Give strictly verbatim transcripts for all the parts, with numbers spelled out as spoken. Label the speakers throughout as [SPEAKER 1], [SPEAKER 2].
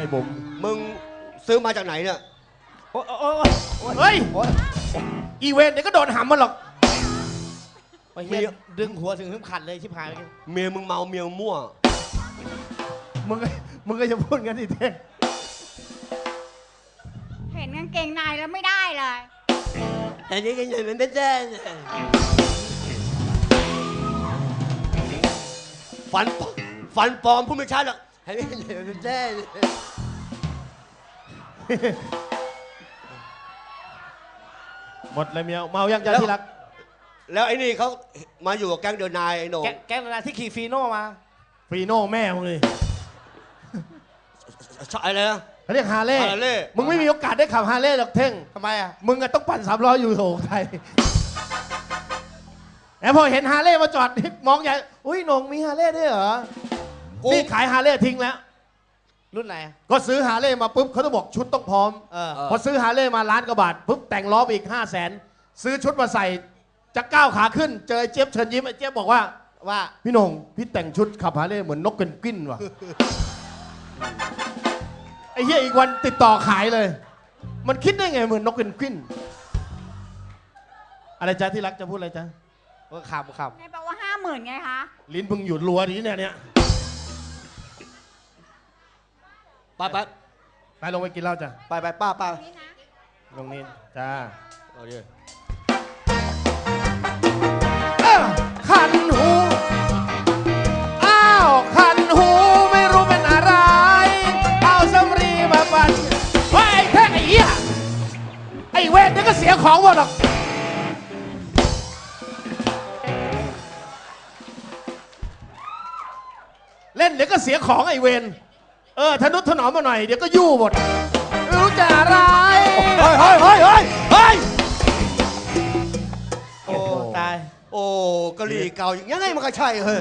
[SPEAKER 1] อ้บุ๋ม
[SPEAKER 2] มึงซื้อมาจากไหนเนี่ย
[SPEAKER 1] โอ้ยโอ้ยเฮ้ยอีเวนต์เดี๋ยวก็โดนหำมันหรอกเมียดึงหัวถึงขึ้นขัดเลยชิบหายเลย
[SPEAKER 2] เมียมึงเมาเมียมั่ว
[SPEAKER 1] มึงมึงก็จะพูดงั้นดิเท่ง
[SPEAKER 3] เห็นกางเกงในแล้วไม่ได้เลย
[SPEAKER 2] แต่นี่ก็ยังไม่ได้ฟันฟันปลอมพูดไม่ชัดหรอกให้ไม่ไม่ได้
[SPEAKER 1] หมดเลยเมียเมายังจะที่รัก
[SPEAKER 2] แล้วไอ้นี่เขามาอยู่กับแก๊งเดินนายไอ้หนู
[SPEAKER 1] แก๊งเดินนายที่ขี่ฟีโน่มาฟีโน่แม่มึงเลย
[SPEAKER 2] อะไรนะ
[SPEAKER 1] เขาเรียกฮาร์เลย์มึงไม่มีโอกาสได้ขับฮาร์เลย์หรอกเท่ง
[SPEAKER 2] ทำไมอ่ะ
[SPEAKER 1] มึงอะต้องปั่นสามล้ออยู่โถไทยแล้วพอเห็นฮาร์เลย์มาจอดมองใหญ่อุ้ยหนงมีฮาร์เลย์ด้วยเหรอนี่ขายฮาร์เลย์ทิ้งแล้วรุ่นไหนก็ซื้อฮาร์เลย์มาปุ๊บเขาต้องบอกชุดต้องพร้อมพอซื้อฮาร์เลย์มาล้านกว่าบาทปุ๊บแต่งล้อไปอีกห้าแสนซื้อชุดมาใส่จะก้าวขาขึ้นเจอเจี๊ยบเชิญยิ้มไอ้เจี๊ยบบอกว่าว่าพี่หนงพี่แต่งชุดขับฮาร์เลย์เหมือนนกเพนกวินว่ะไอ้เหี้ยอีกวันติดต่อขายเลยมันคิดได้ไงเหมือนนกเพนกวินอะไรจ๊ะที่รักจะพูดอะไรจ๊ะว่าขำขำ
[SPEAKER 3] ในบอกว่าห้าหมื่นไงคะ
[SPEAKER 1] ลิ้นพึงหยุดรัวนี้เนี่ยเนี่ย
[SPEAKER 2] ไปไป
[SPEAKER 1] ไปลงไปกินเหล้าจ้ะ
[SPEAKER 2] ไปไปป้าป้า
[SPEAKER 1] ลงนี้จ้า
[SPEAKER 2] เอาดิ
[SPEAKER 1] คันหูอ้าวคันหูไม่รู้เป็นอะไรเอาสำลีมาปั่นไอ้แท่งไอ้เหี้ยไอ้เวทนี่ก็เสียของหมดหรอกเล่นเดี๋ยวก็เสียของไอ้เวนเออทนุถนอมมาหน่อยเดี๋ยวก็ยู่หมดไม่รู้จะอะไร
[SPEAKER 2] เฮ้ยเฮ้ยเฮ้ยเฮ้ยเฮ้ย
[SPEAKER 1] โอ้ตาย
[SPEAKER 2] โอ้กะหรี่เก่าอย่างไงมันก็ใช่เฮ้ย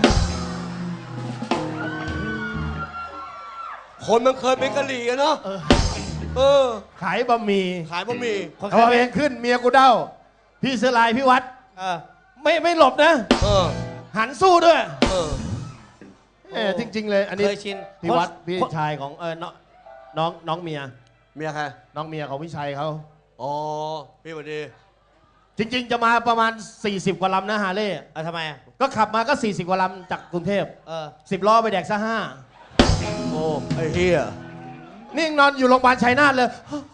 [SPEAKER 2] คนมันเคยเป็นกะหรี่เนาะเออ
[SPEAKER 1] ขายบะหมี่
[SPEAKER 2] ขายบะหมี่
[SPEAKER 1] เขาเองขึ้นเมียกูเด้าพี่เสลายพี่วัดเออไม่ไม่หลบนะเออหันสู้ด้วยเออเออจริงๆเลยอันนี้พี่วัดพี่ชายของเออน้องน้องน้องเมีย
[SPEAKER 2] เมียใคร
[SPEAKER 1] น้องเมียของพี่ชัยเขา
[SPEAKER 2] อ๋อพี่สวัสดี
[SPEAKER 1] จริงๆจะมาประมาณสี่สิบกว่าลำนะฮาร์เลย์อ่ะทำไมอ่ะก็ขับมาก็สี่สิบกว่าลำจากกรุงเทพเออสิบล้อไปแดกซะห้า
[SPEAKER 2] โอ้ไอ้เฮีย
[SPEAKER 1] นี่นอนอยู่โรงพยาบาลชัยนาทเลย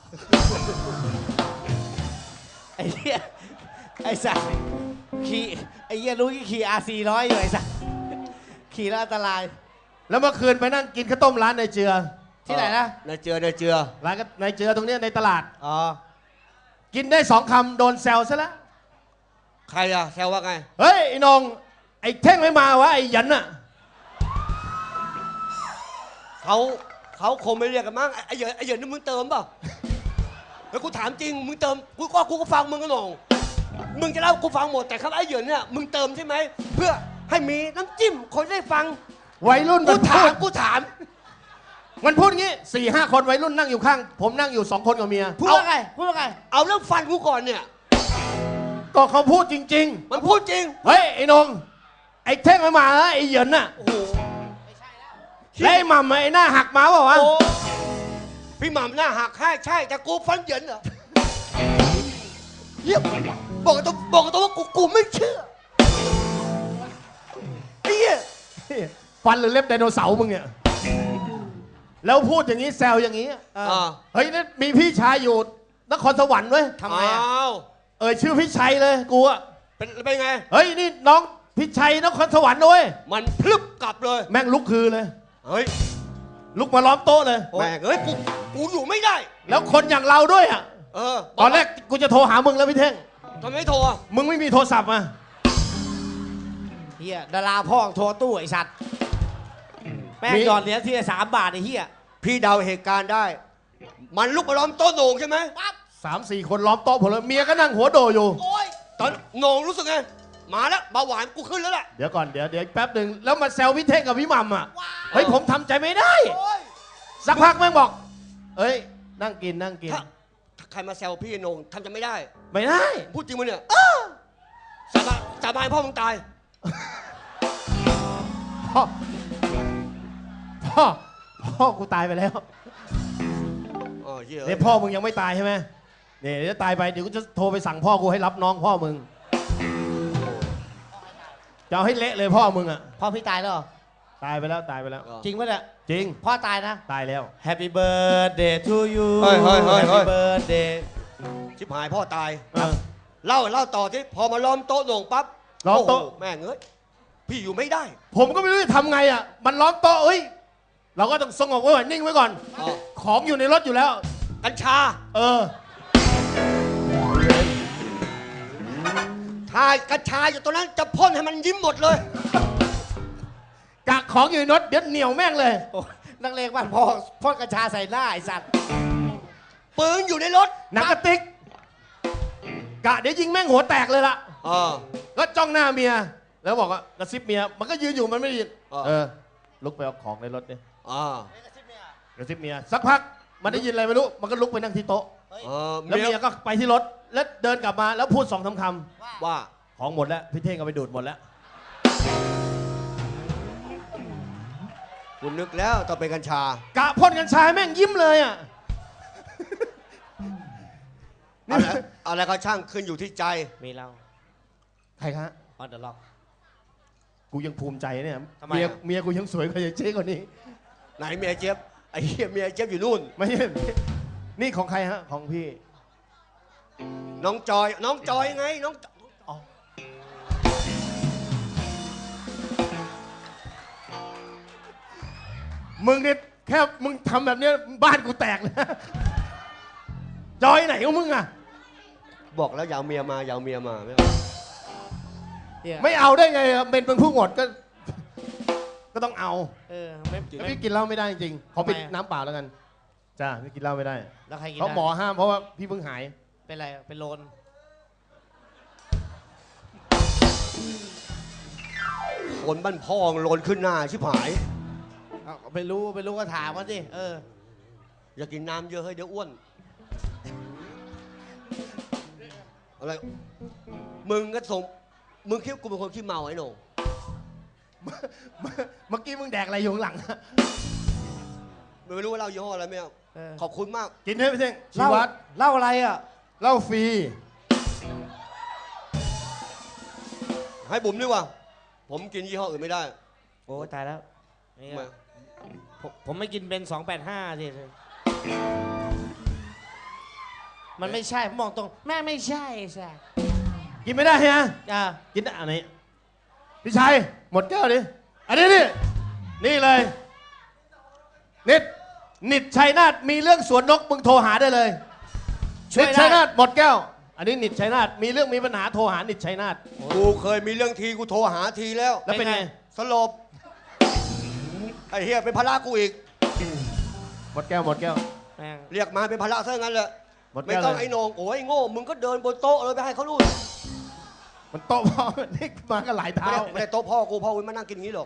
[SPEAKER 4] ไอ้เฮียไอ้สัสขี่ไอ้เฮียรู้กี่ขี่อาร์ซีร้อยอยู่ไอ้สัสขี่แล้วอันตราย
[SPEAKER 1] แล้วเมื่อคืนไปนั่งกินข้าวต้มร้านในเจือ
[SPEAKER 4] ที่ไหนนะ
[SPEAKER 2] ในเจือในเจือ
[SPEAKER 1] ร้านในเจือตรงนี้ในตลาด
[SPEAKER 4] อ๋อ
[SPEAKER 1] กินได้สองคำโดนแซวซะแล้ว
[SPEAKER 2] ใครอะแซวว่าไง
[SPEAKER 1] เฮ้ยไอ้นงไอ้เท่งไม่มาวะไอ้ยันน่ะ
[SPEAKER 2] เขาเขาคงไม่เรียกกันมั้งไอ้เหยินไอ้เหยินนี่มึงเติมเปล่าแล้วกูถามจริงมึงเติมกูก็กูก็ฟังมึงก็หนองมึงจะเล่ากูฟังหมดแต่ครับไอ้เหยินเนี่ยมึงเติมใช่ไหมเพื่อให้มีน้ำจิ้มคนได้ฟัง
[SPEAKER 1] วัยรุ่น
[SPEAKER 2] กูถามกูถาม
[SPEAKER 1] มันพูดงี้สี่ห้าคนวัยรุ่นนั่งอยู่ข้างผมนั่งอยู่สองคนกับเมีย
[SPEAKER 4] พูดว่าไงพูดว่าไง
[SPEAKER 2] เอาเรื่องฟันกูก่อนเนี่ย
[SPEAKER 1] ก็เขาพูดจริง
[SPEAKER 2] ๆมันพูดจริง
[SPEAKER 1] เฮ้ยไอ้นงไอ้เท่งไม่มาแล้วไอ้เหยินน่ะโอ้โหไม่ใช่แล้วแล้วไอ้หม่ำไอ้หน้าหักมาเปล่าวะ
[SPEAKER 2] พี่หม่ำหน้าหักใช่ใช่แต่กูฟันเหยินเหรอเยี่ยมบอกตัวบอกตัวว่ากูกูไม่เชื่อไอ้เหี้ย
[SPEAKER 1] ฟันหรือเล็บไดโนเสาร์มึงเนี่ยแล้วพูดอย่างนี้แซวอย่างนี้เฮ้ยนี่มีพี่ชายอยู่นครสวรรค์เว้ย
[SPEAKER 2] ทำไมอ่ะ
[SPEAKER 1] เออชื่อพี่ชัยเลยกูอะ
[SPEAKER 2] เป็นเป็นไง
[SPEAKER 1] เฮ้ยนี่น้องพี่ชัยนครสวรรค์ด้วย
[SPEAKER 2] มันพลึบกลับเลย
[SPEAKER 1] แม่งลุกคือเลย
[SPEAKER 2] เฮ้ย
[SPEAKER 1] ลุกมาล้อมโต๊ะเลย
[SPEAKER 2] แม่งเฮ้ยกูกูอยู่ไม่ได้
[SPEAKER 1] แล้วคนอย่างเราด้วยอ่ะ
[SPEAKER 2] เออ
[SPEAKER 1] ตอนแรกกูจะโทรหามึงแล้วพี่เท่ง
[SPEAKER 2] ทำไมโทรอ่ะ
[SPEAKER 1] มึงไม่มีโทรศัพท์อ่ะ
[SPEAKER 4] เฮียดาราพ่อโทรตู้ไอ้สัตว์แม่งหยอดเหรียญทีละสามบาทไอ้เฮีย
[SPEAKER 2] พี่เดาเหตุการณ์ได้มันลุกมาล้อมโต๊ะโหน่งใช่ไหม
[SPEAKER 1] ปั๊บสามสี่คนล้อมโต๊ะผมเลยเมียก็นั่งหัวโดอยู่
[SPEAKER 2] โอ้ยตอนโหน่งรู้สึกไงมาแล้วเบาหวานกูขึ้นแล้วแหละ
[SPEAKER 1] เดี๋ยวก่อนเดี๋ยวเดี๋ยวแป๊บหนึ่งแล้วมาแซวพี่เท่งกับพี่หม่ำอ่ะเฮ้ยผมทำใจไม่ได้สักพักแม่งบอกเอ้ยนั่งกินนั่งกิน
[SPEAKER 2] ใครมาแซวพี่โหน่งทำใจไม่ได้
[SPEAKER 1] ไม่ได้
[SPEAKER 2] พูดจริงมั้ยเนี่ยสาบานสาบานพ่อมึงตาย
[SPEAKER 1] พ่อพ่อพ่อกูตายไปแล้ว
[SPEAKER 2] เหี้ย
[SPEAKER 1] เนี่ยพ่อมึงยังไม่ตายใช่ไหมเนี่ยเดี๋ยวตายไปเดี๋ยวกูจะโทรไปสั่งพ่อกูให้รับน้องพ่อมึงจะเอาให้เละเลยพ่อมึงอ่ะ
[SPEAKER 4] พ่อพี่ตายแล้วเหรอ
[SPEAKER 1] ตายไปแล้วตายไปแล้ว
[SPEAKER 4] จริงปะเนี่ย
[SPEAKER 1] จริง
[SPEAKER 4] พ่อตายนะ
[SPEAKER 1] ตายแล้ว
[SPEAKER 4] Happy birthday to you
[SPEAKER 2] เฮ้ยเฮ้ยเฮ้ยเฮ้
[SPEAKER 4] Happy
[SPEAKER 2] ย
[SPEAKER 4] birthday
[SPEAKER 2] ชิบหายพ่อตาย
[SPEAKER 1] เออ
[SPEAKER 2] เล่าเล่าต่อที่พอมาล้อมโต๊ะโหน่งปั๊บ
[SPEAKER 1] ล้อมโต๊ะ
[SPEAKER 2] โแม่งเอ้ยพี่อยู่ไม่ได้
[SPEAKER 1] ผมก็ไม่รู้จะทำไงอ่ะมันล้อมโต๊ะเอ้ยเราก็ต้องสงบไว้ก่อนนิ่งไว้ก่อน
[SPEAKER 2] อ๋อ
[SPEAKER 1] ของอยู่ในรถอยู่แล้ว
[SPEAKER 2] กัญชา
[SPEAKER 1] เออ
[SPEAKER 2] ทายกัญชาอยู่ตรงนั้นจะพ่นให้มันยิ้มหมดเลย
[SPEAKER 1] กักของอยู่ในรถเดี๋ยวเหนียวแม่งเลย
[SPEAKER 4] โอ้ยนักเลงบ้านพ่อพ่นกัญชาใส่หน้าไอ้สัตว์
[SPEAKER 2] ปืนอยู่ในรถ
[SPEAKER 1] หนังกระติกกะเดี๋ยวยิงแม่งหัวแตกเลยล่ะ
[SPEAKER 2] อ่า
[SPEAKER 1] ก็จ้องหน้าเมีย แล้วบอกว่ากระซิบเมีย มันก็ยืนอยู่มันไม่ได้ยิน
[SPEAKER 2] อ่า
[SPEAKER 1] เออ ลุกไปเอาของในรถดิ
[SPEAKER 2] อ่าก
[SPEAKER 1] ระซิบเมีย สักพัก มันได้ยินอะไรไม่รู้ มันก็ลุกไปนั่งที่โต๊ะ
[SPEAKER 2] เออ
[SPEAKER 1] แล้วเมียก็ไปที่รถ แล้วเดินกลับมา แล้วพูดสองสามค
[SPEAKER 2] ว่า
[SPEAKER 1] ำของหมดแล้ว พี่เท่งเอาไปดูดหมดแล้ว
[SPEAKER 2] คุณนึกแล้วต้องเป็นกัญชา
[SPEAKER 1] กะพ่นกัญชาให้แม่งยิ้มเลยอ่ะ
[SPEAKER 2] อะไรอะไรก็ช่างขึ้นอยู่ที่ใจ
[SPEAKER 4] มีเรา
[SPEAKER 1] ใครคะ
[SPEAKER 4] ออนเดอะล็อก
[SPEAKER 1] กูยังภูมิใจเนี่ย
[SPEAKER 4] ทำไม
[SPEAKER 1] เมีย
[SPEAKER 4] อะ
[SPEAKER 1] เมียกูยังสวยกว่าเจ๊กว่านี้
[SPEAKER 2] ไหนเมียเจี๊ยบไอ้เหี้ยเมียเจี๊ยบอยู่นู่น
[SPEAKER 1] ไม่ใช่นี่ของใครฮะ ของพี่
[SPEAKER 2] น้องจอย น้องจอยไง น้อง
[SPEAKER 1] อ๋อ มึงเนี่ยแค่มึงทำแบบเนี้ยบ้านกูแตกเลยนะจอยไหนของมึงอ่ะ
[SPEAKER 2] บอกแล้วอย่าเอาเมียมาอย่าเอาเมียมาไม่เอา
[SPEAKER 4] เนี่ย
[SPEAKER 1] ไม่เอาได้ไงอะเป็นเป็นผู้หมดก็ ก็ต้องเอา
[SPEAKER 4] เออไม่
[SPEAKER 1] แล้ว
[SPEAKER 4] ไม่
[SPEAKER 1] พี่กินเหล้าไม่ได้จริงๆขอปิด
[SPEAKER 4] ทำไมอะ
[SPEAKER 1] น้ำเปล่าแล้วกัน จ้าพี่กินเหล้าไม่ได้
[SPEAKER 4] แล้วใครกิน
[SPEAKER 1] เพราะ
[SPEAKER 4] ได้
[SPEAKER 1] หมอห้ามเพราะว่าพี่เพิ่งหาย
[SPEAKER 4] เป็นไรเป็นโลน
[SPEAKER 2] คนบ้านพ่องโลนขึ้นหน้าชิบหาย
[SPEAKER 4] เอาไปรู้ไปรู้ก็ถามเขาสิเออ
[SPEAKER 2] อย่ากินน้ำเยอะให้เดี๋ยวอ้วน อะไร มึงก็ส่งมึงคิดว่ากูเป็นคนขี้เมาไอ้โหน่ง
[SPEAKER 1] เมื่อกี้มึงแดกอะไรอยู่ข้างหลัง
[SPEAKER 2] ไม่รู้ว่าเรายี่ห้ออะไรไม่เอา
[SPEAKER 4] เออ
[SPEAKER 2] ขอบคุณมาก
[SPEAKER 1] กินให้พี่เท่งชี
[SPEAKER 4] เล่า
[SPEAKER 1] วัตร
[SPEAKER 4] เล่าอะไรอ่ะ
[SPEAKER 1] เหล้าฟรี
[SPEAKER 2] ให้บุ๋มดีกว่า ผมกินยี่ห้ออื่นไม่ได้
[SPEAKER 4] โอ้ตายแล้วนี่
[SPEAKER 2] ทำไม
[SPEAKER 4] ก็ผมผมไม่กินเบนสองแปดห้าสิมันไม่ใช่ผมมองตรง แม่ไม่ใช่ใช่
[SPEAKER 1] กินไม่ได้ฮะ
[SPEAKER 4] อ่า
[SPEAKER 1] กินได้อันนี้พี่ชัยหมดแก้วดิอันนี้นี่นี่เลยนิดนิดชัยนาทมีเรื่องสวนนกมึงโทรหาได้เลย
[SPEAKER 4] ช่วย
[SPEAKER 1] นิด
[SPEAKER 4] ได้
[SPEAKER 1] ชัยนาทหมดแก้ว อันนี้นิดชัยนาทมีเรื่องมีปัญหาโทรหานิดชัยนาท
[SPEAKER 2] กูเคยมีเรื่องทีกูโทรหาทีแล้ว
[SPEAKER 1] แล้วเป็นไง
[SPEAKER 2] สลบ ไอ้เฮียเป็นภาระกูอีก
[SPEAKER 1] หมดแก้วหมดแก้ว
[SPEAKER 4] แม่ง
[SPEAKER 2] เรียกมาเป็นภาระซะงั้นเลย
[SPEAKER 1] หมด
[SPEAKER 2] ไม่
[SPEAKER 1] แก้ว
[SPEAKER 2] ต้อง
[SPEAKER 1] เลย
[SPEAKER 2] ไอ้โหนงโอ้ยโง่ มึงก็เดินบนโต๊ะเลยไปให้เขานู่น
[SPEAKER 1] มันโตพอ นี่มากันหลาย
[SPEAKER 2] ไม่
[SPEAKER 1] เท้า
[SPEAKER 2] ได้ไม่ได้โต๊ะพ่อกูพ่อกูมานั่งกินอย่างนี้หรอก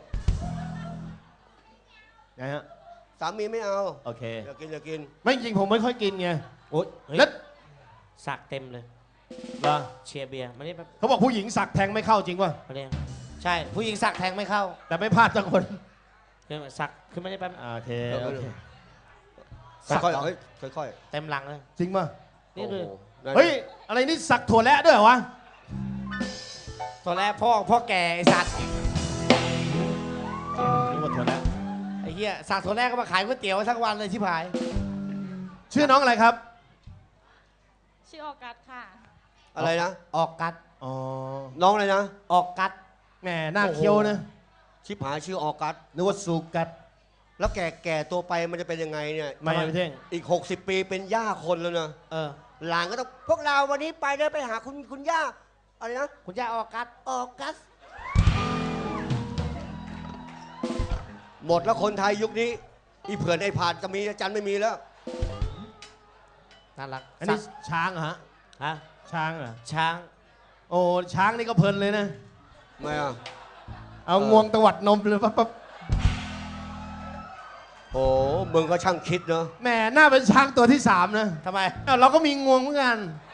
[SPEAKER 1] ไงฮะ
[SPEAKER 2] สามีไม่เอา
[SPEAKER 1] โอเค
[SPEAKER 2] อย่ากินอย่ากิน
[SPEAKER 1] ไม่จริงผมไม่ค่อยกินไง
[SPEAKER 4] โอ๊ยเฮ้ย
[SPEAKER 1] แล้ว
[SPEAKER 4] สักเต็มเลย
[SPEAKER 1] เหรอ
[SPEAKER 4] เชียร์เบียร์มานี่แป๊บ
[SPEAKER 1] เขาบอกผู้หญิงสักแทงไม่เข้าจริงป่ะ
[SPEAKER 4] มาเนี่ยใช่ ผู้หญิงสักแทงไม่เข้า
[SPEAKER 1] แต่ไม่พลาดสักคน
[SPEAKER 4] เดี๋ยวสักขึ้นมาได้แป๊บ
[SPEAKER 1] โอเค
[SPEAKER 2] เออ
[SPEAKER 1] โอเค
[SPEAKER 4] สัก
[SPEAKER 2] ค่อย
[SPEAKER 4] เหรอ
[SPEAKER 2] ๆเฮ้ยค่อย
[SPEAKER 4] เต็มหลังเลย
[SPEAKER 1] จริงป่ะ
[SPEAKER 2] ๆ
[SPEAKER 4] นี่คือ
[SPEAKER 2] โโหได้
[SPEAKER 1] เฮ้ยอะไรนี่สักถั่วและด้วยเหรอวะ
[SPEAKER 4] ตอนแรกพ่อพ่อแก่ไอ้สัตว์
[SPEAKER 1] นึกว่าถั่วและ
[SPEAKER 4] ไอ้เหี้ยสักตัวแรกก็มาขายก๋วยเตี๋ยวทั้งวันเลยชิบหาย
[SPEAKER 1] ชื่อน้องอะไรครับ
[SPEAKER 3] ชื่อออกัสค่ะ
[SPEAKER 2] อะไรนะ
[SPEAKER 4] ออกกัด
[SPEAKER 1] อ๋อ
[SPEAKER 2] น้องอะไรนะ
[SPEAKER 4] ออกกัด
[SPEAKER 1] แหมหน้าเคี้ยวนะ
[SPEAKER 2] ชิบหายชื่อออกัส
[SPEAKER 1] นึกว่าสูกัด
[SPEAKER 2] แล้วแก่แก่ตัวไปมันจะเป็นยังไงเนี่ย
[SPEAKER 1] ไม่ไม่เท่ง
[SPEAKER 2] อีก หกสิบ ปีเป็นย่าคนแล้วนะ
[SPEAKER 4] เออ
[SPEAKER 2] หลานก็ต้องพวกเราวันนี้ไปเดินไปหาคุณคุณย่าอะไรนะ
[SPEAKER 4] คุณย่าออกกัด
[SPEAKER 2] ออกัส หมดแล้วคนไทยยุคนี้ อีเผื่อนไอ้ผาดก็มีอาจารย์ไม่มีแล้ว
[SPEAKER 4] น่ารัก
[SPEAKER 1] อันนี้
[SPEAKER 4] สัก
[SPEAKER 1] ช้างเหรอฮะ
[SPEAKER 4] ฮะ
[SPEAKER 1] ช้างเหรอ
[SPEAKER 4] ช้าง
[SPEAKER 1] โอ้ช้างนี่ก็เพลินเลยนะ
[SPEAKER 2] ไม่อ่ะ
[SPEAKER 1] เอา
[SPEAKER 2] เออ
[SPEAKER 1] งวงตวัดนมเลยปั๊บปั๊บ
[SPEAKER 2] โอ้มึงก็ช่างคิดเนอะ
[SPEAKER 1] แหมหน้าเป็นช้างตัวที่สามนะ
[SPEAKER 4] ทำไม
[SPEAKER 1] เอ้าเราก็มีงวงเหมือนกัน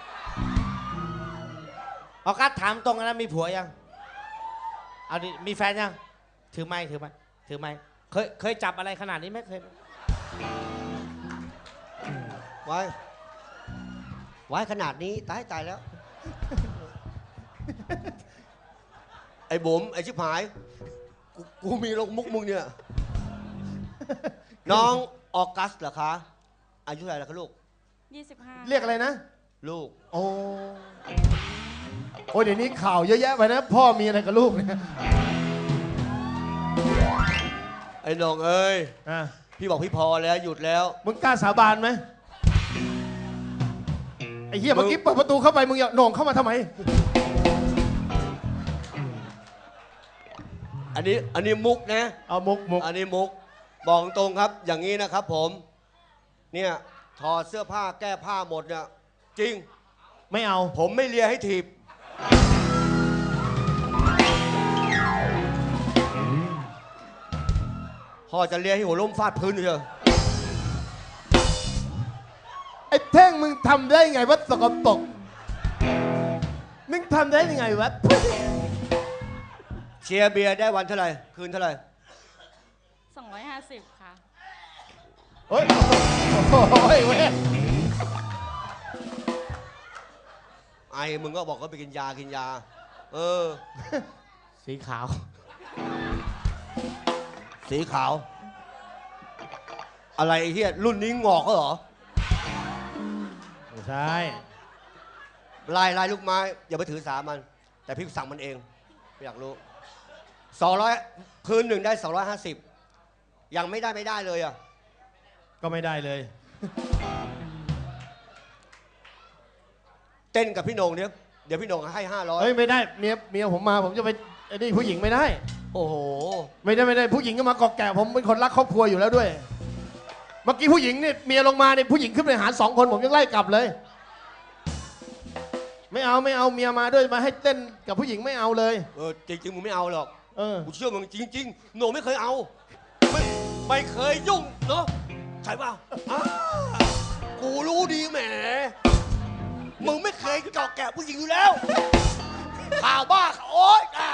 [SPEAKER 4] ออกกัดถามตรงนะมีผัวยัง เอาดิมีแฟนยัง ถือไม้ถือไม้ถือไม้เคยเคยจับอะไรขนาดนี้ไหมเคยไหม
[SPEAKER 2] ผไว้ ไว้ขนาดนี้ตายตายแล้ว ไอ้บุ๋มไอ้ชิบหายกูกูมีลงมุกมึงเนี่ย น้องออกัสเหรอคะ อายุเท่าไหร่แล้วคะลูก
[SPEAKER 3] ยี่สิบห้า
[SPEAKER 1] เรียกอะไรนะ
[SPEAKER 2] ลูก
[SPEAKER 1] โอ้โอ้ยเดี๋ยวนี้ข่าวเยอะแยะไปนะ พ่อมีอะไรกับลูกเนี่ย
[SPEAKER 2] ไอ้น้องเอ้ย
[SPEAKER 1] อ่ะ
[SPEAKER 2] พี่บอกพี่พอแล้วหยุดแล้ว
[SPEAKER 1] มึงกล้าสาบานไหมไอ้เหี้ย
[SPEAKER 2] มึ
[SPEAKER 1] เมื่
[SPEAKER 2] ง
[SPEAKER 1] อกี้เปิดประตูเข้าไปมึงอย่าโหน่งเข้ามาทำไม
[SPEAKER 2] อันนี้อันนี้มุกนะ
[SPEAKER 1] เอามุกมุก
[SPEAKER 2] อันนี้มุก บอกตรงครับ อย่างนี้นะครับผม เนี่ยถอดเสื้อผ้าแก้ผ้าหมดเนี่ย จริง
[SPEAKER 1] ไม่เอา
[SPEAKER 2] ผมไม่เลียให้ถีบ พ่อจะเลียให้หัวล้มฟาดพื้นเถอะ
[SPEAKER 1] ไอ้เท่งมึงทำได้ไงวะสกปรกมึงทำได้ยังไงวะ
[SPEAKER 2] เชียร์เบียร์ได้วันเท่าไหร่ คืนเท่าไหร่
[SPEAKER 3] สองร้อยห้าสิบค่ะ
[SPEAKER 1] เฮ้ยโอ้ยเว้ย
[SPEAKER 2] ไอ้มึงก็บอกว่าไปกินยากินยา เออ
[SPEAKER 1] สีขาว
[SPEAKER 2] สีขาว อะไรไอ้เหี้ยรุ่นนี้งอกก็เหรอ
[SPEAKER 1] ไม่ใช่
[SPEAKER 2] ลายลายลูกไม้ อย่าไปถือสามัน แต่พี่สั่งมันเองไม่อยากรู้สองร้อยคืนหนึ่งได้สองร้อยห้าสิบยังไม่ได้ไม่ได้เลยอ่ะ
[SPEAKER 1] ก็ไม่ได้เลย
[SPEAKER 2] เต้นกับพี่โหนงเนี่ยเดี๋ยวพี่โหนงให้ห้าร้อย
[SPEAKER 1] เฮ้ยไม่ได้เมียเมียผมมาผมจะไปไอ้นี่ผู้หญิงไม่ได้
[SPEAKER 2] โอ้โห
[SPEAKER 1] ไม่ได้ไม่ได้ผู้หญิงก็มากอกแก่ผมเป็นคนรักครอบครัวอยู่แล้วด้วย เมื่อกี้ผู้หญิงเนี่ยเมียลงมาเนี่ยผู้หญิงขึ้นไปหาสองคนผมยังไล่กลับเลย ไม่เอาไม่เอาเมียมาด้วยมาให้เต้นกับผู้หญิงไม่เอาเลย
[SPEAKER 2] เออจริงๆมึงไม่เอาหรอก
[SPEAKER 1] เออ
[SPEAKER 2] กูเชื่อมึงจริงๆโหนงไม่เคยเอา ไม่ไม่เคยยุ่งเนาะใช่ป่ะอ่ากูรู้ดีแหมมึงไม่เคยเกาะแกะผู้หญิงอยู่แล้วข่าวบ้าข่าวโอ๊ยอ่ะ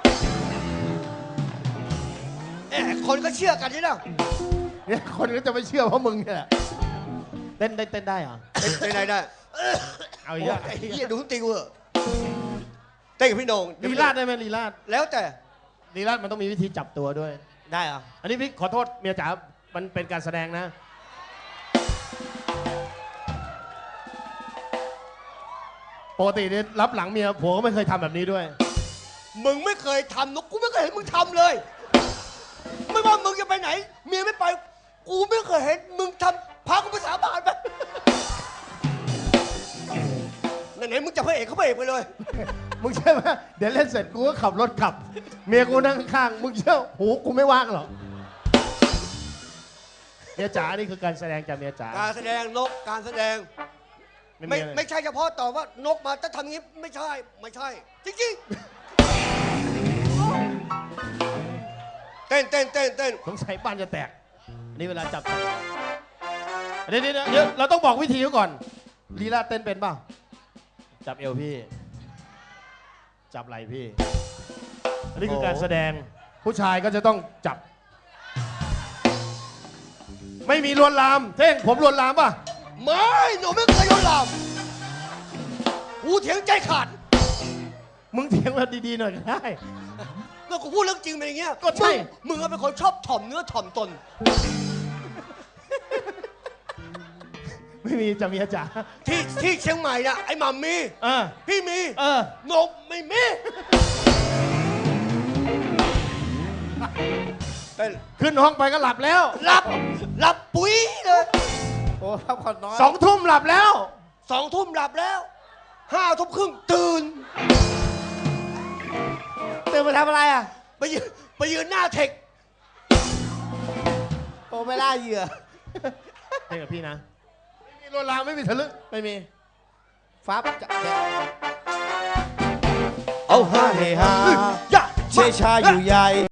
[SPEAKER 2] แหมคนก็เชื่อกันนี่นะ
[SPEAKER 1] เนี่ยคนก็จะไม่เชื่อเพราะมึงเนี่ยแหละเต้นได้เต้นได้เหรอ
[SPEAKER 2] เต้นได้ได้
[SPEAKER 1] เอาอีก
[SPEAKER 2] โอ้
[SPEAKER 1] แล้
[SPEAKER 2] ยว ไอ้เหี้ยดูทุกตีกูเหอะเต้นกับพี่โหนงเดี๋ยว
[SPEAKER 1] ลี
[SPEAKER 2] พี่
[SPEAKER 1] ลาดได้ไหมลีลาด
[SPEAKER 2] แล้วแต่
[SPEAKER 1] ลีลาดมันต้องมีวิธีจับตัวด้วย
[SPEAKER 2] ได้เหรอ
[SPEAKER 1] อันนี้พี่ขอโทษเมียจ๋า มันเป็นการแสดงนะ ปกติเนี่ยรับหลังเมียผัวก็ไม่เคยทำแบบนี้ด้วย
[SPEAKER 2] มึงไม่เคยทำนะกูไม่เคยเห็นมึงทำเลย ไม่ว่ามึงจะไปไหน เมียไม่ไป กูไม่เคยเห็นมึงทำพากูไปสาบานไปไหนๆมึงจะพระเอกเขาพระเอกไปเลย
[SPEAKER 1] มึงเชื่อไหมเดี๋ยวเล่นเสร็จกูก็ขับรถกลับ เมียกูนั่งข้างๆมึงเชื่อหูกูไม่ว่างหรอกเมียจ๋านี่คือการแสดงจากเมียจ๋า
[SPEAKER 2] การแสดงนกการแสดง
[SPEAKER 1] ไม่
[SPEAKER 2] ไม่
[SPEAKER 1] มีอะไร
[SPEAKER 2] ไม่ใช่เฉพาะตอบว่านกมาจะทำอย่างนี้ไม่ใช่ไม่ใช่ จริงๆ เต้นเต้นเต้นเต้น
[SPEAKER 1] สงสัยบ้านจะแตกอันนี่เวลาจับเดี๋ยวเดี๋ยวเดี๋ยวเราต้องบอกวิธีเขาก่อนลีลาเต้นเป็นเปล่าจับเอวพี่ จับไหล่พี่ อันนี้คือการแสดงผู้ชายก็จะต้องจับ ไม่มีลวนลามเท่งผมลวนลามป่ะ
[SPEAKER 2] ไม่หนูไม่เคยโดนหลอกกูเถียงใจขาด
[SPEAKER 1] มึงเถียงมาดีๆหน่อยก็ได้
[SPEAKER 2] ก็กูพูดเรื่องจริงเป็นอย่างเงี้ย
[SPEAKER 1] ก็ใช่
[SPEAKER 2] มึงมึงอะเป็นคนชอบถ่อมเนื้อถ่อมตน
[SPEAKER 1] ไม่มีจะเมียจ๋า
[SPEAKER 2] ที่ที่เชียงใหม่น่ะไอ้หม่ำมี
[SPEAKER 1] เออ
[SPEAKER 2] พี่มี
[SPEAKER 1] เออ
[SPEAKER 2] นกไม่มีเต้น
[SPEAKER 1] ขึ้นห้องไปก็หลับแล้ว
[SPEAKER 2] หลับหลับปุ๋ยเลย
[SPEAKER 4] โอ้พักผ่อนน้อย
[SPEAKER 1] สองทุ่มหลับแล้ว
[SPEAKER 2] สองทุ่มหลับแล้วห้าทุ่มครึ่งตื่น
[SPEAKER 4] ตื่นมาทำอะไรอ่ะ
[SPEAKER 2] ไปยืนไปยืนหน้าเทค
[SPEAKER 4] โอ้ไม่ล่าเหยื่อ
[SPEAKER 1] เท่งกับพี่นะ ไม่มีลวนลามไม่มีทะลึ่ง
[SPEAKER 4] ไม่มีฟ้าจะแกะ
[SPEAKER 2] เอา
[SPEAKER 4] ฮ่าเฮฮา
[SPEAKER 2] อย่า
[SPEAKER 4] เชยชาอยู่ใหญ่